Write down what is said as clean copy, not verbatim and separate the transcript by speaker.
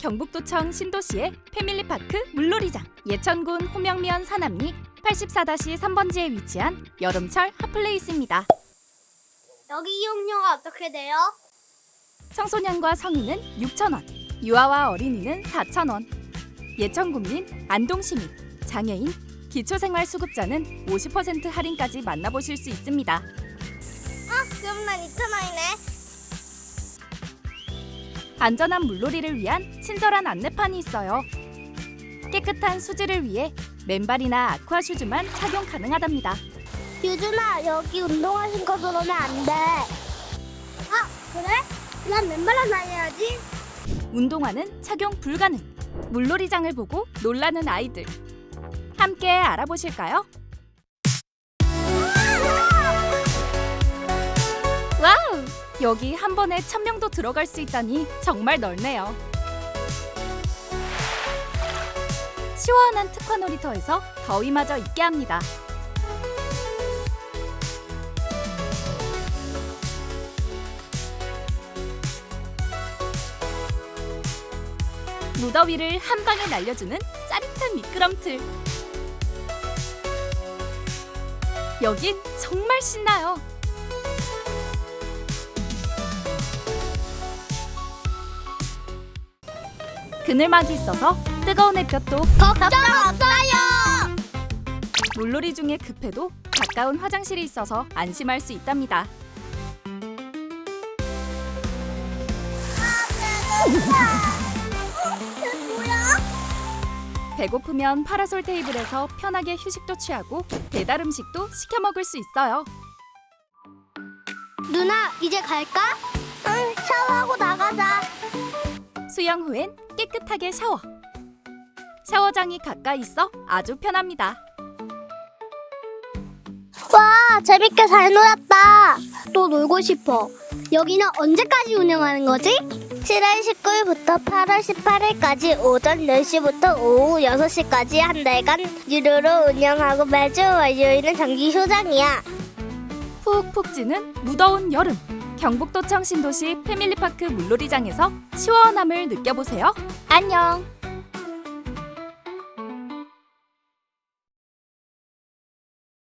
Speaker 1: 경북도청 신도시의 패밀리파크 물놀이장, 예천군 호명면 산암리 84-3번지에 위치한 여름철 핫플레이스입니다.
Speaker 2: 여기 이용료가 어떻게 돼요?
Speaker 1: 청소년과 성인은 6,000원, 유아와 어린이는 4,000원. 예천군민, 안동시민, 장애인, 기초생활수급자는 50% 할인까지 만나보실 수 있습니다.
Speaker 2: 그럼 난 2,000원이네.
Speaker 1: 안전한 물놀이를 위한 친절한 안내판이 있어요. 깨끗한 수질을 위해 맨발이나 아쿠아 슈즈만 착용 가능하답니다.
Speaker 2: 유준아, 여기 운동화 신고 들어오면 안 돼. 그래? 난 맨발로 다녀야지.
Speaker 1: 운동화는 착용 불가능. 물놀이장을 보고 놀라는 아이들. 함께 알아보실까요? 와우! 여기 한 번에 1,000명도 들어갈 수 있다니 정말 넓네요. 시원한 특화 놀이터에서 더위마저 잊게 합니다. 무더위를 한 방에 날려주는 짜릿한 미끄럼틀. 여긴 정말 신나요. 그늘막이 있어서 뜨거운 햇볕도
Speaker 2: 걱정 없어요.
Speaker 1: 물놀이 중에 급해도 가까운 화장실이 있어서 안심할 수 있답니다. 배고프면 파라솔 테이블에서 편하게 휴식도 취하고 배달 음식도 시켜 먹을 수 있어요.
Speaker 2: 누나, 이제 갈까? 응, 샤워하고 나가자.
Speaker 1: 수영 후엔 깨끗하게 샤워. 샤워장이 가까이 있어 아주 편합니다.
Speaker 2: 와, 재밌게 잘 놀았다. 또 놀고 싶어. 여기는 언제까지 운영하는 거지? 7월 19일부터 8월 18일까지 오전 10시부터 오후 6시까지 한 달간 유료로 운영하고 매주 월요일은 정기 휴장이야.
Speaker 1: 푹푹 찌는 무더운 여름. 경북도청 신도시 패밀리파크 물놀이장에서 시원함을 느껴보세요. 안녕!